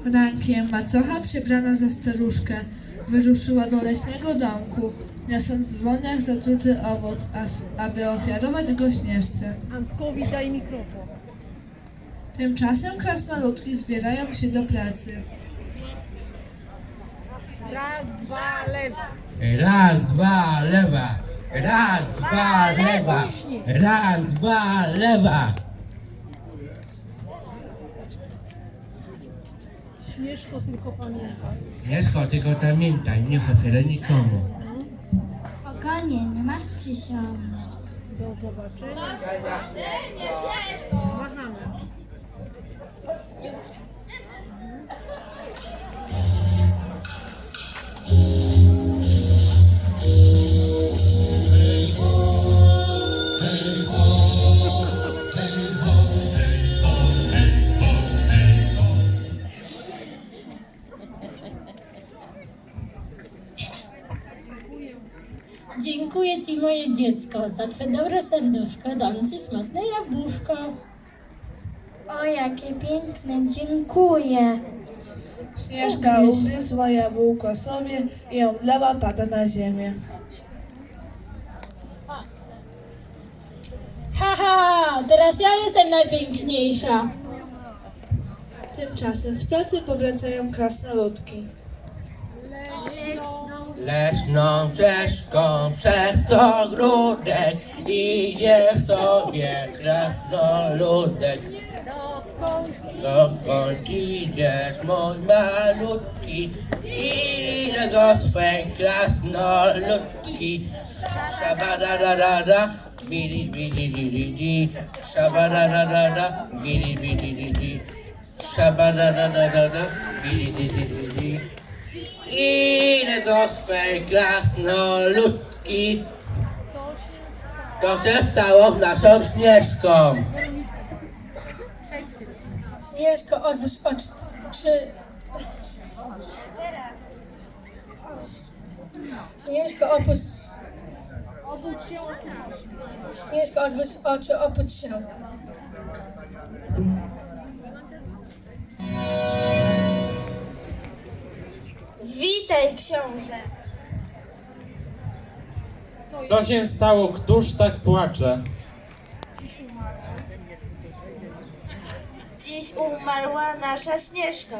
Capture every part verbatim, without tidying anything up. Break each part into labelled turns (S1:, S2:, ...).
S1: Rankiem macocha, przebrana za staruszkę, wyruszyła do leśnego domku, niosąc w dłoniach zatruty owoc, af- aby ofiarować go Śnieżce.
S2: Antkowi daj mikrofon.
S1: Tymczasem krasnoludki zbierają się do pracy.
S2: Raz, dwa, lewa.
S3: Raz, dwa, lewa. Raz, dwa, lewa. Raz, dwa, lewa.
S2: Śnieżko, tylko pamiętaj.
S3: Śnieżko, tylko pamiętaj, nie ofiarę nikomu.
S4: Spokojnie, nie martwcie się o mnie.
S2: Do zobaczenia. Machamy.
S5: Dziękuję Ci, moje dziecko, za Twe dobre serduszko. Dam Ci smaczne jabłuszko.
S4: O, jakie piękne, dziękuję.
S1: Śnieżka ugryzła jabłko sobie i omdlała pada na ziemię.
S5: Haha, teraz ja jestem najpiękniejsza.
S1: Tymczasem z pracy powracają krasnoludki.
S3: Leśną ścieżką przez to ogródek idzie sobie krasnoludek. Dokąd idziesz, mój malutki? Ile do swej krasnoludki? Szabararara, bili bili bili bili, szabararara, bili bili bili, szabararara, bili bili bili. Idę do swej krasnoludki. To się stało z naszą Śnieżką.
S5: Śnieżko, odwróć oczy. Śnieżko, opuść. Śnieżko, odwróć oczy, opuść się.
S4: Witaj, książę.
S6: Co się stało? Któż tak płacze?
S4: Dziś umarła nasza Śnieżka.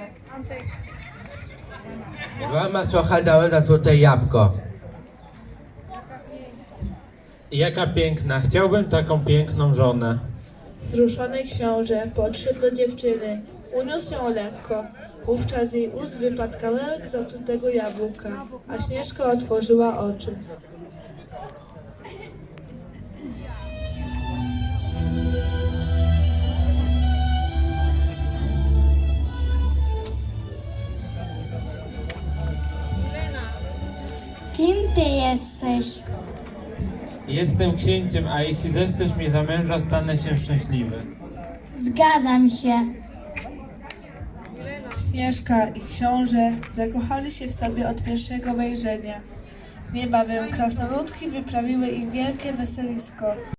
S3: Mama trochę dała za tutaj jabłko.
S6: Jaka piękna, chciałbym taką piękną żonę.
S1: Wzruszony książę podszedł do dziewczyny, uniósł ją lekko. Wówczas z jej ust wypadł kawałek zatrutego jabłka, a Śnieżka otworzyła oczy.
S4: Kim ty jesteś?
S6: Jestem księciem, a jeśli zechcesz mnie za męża, stanę się szczęśliwy.
S4: Zgadzam się.
S1: Śnieżka i książę zakochali się w sobie od pierwszego wejrzenia. Niebawem krasnoludki wyprawiły im wielkie weselisko.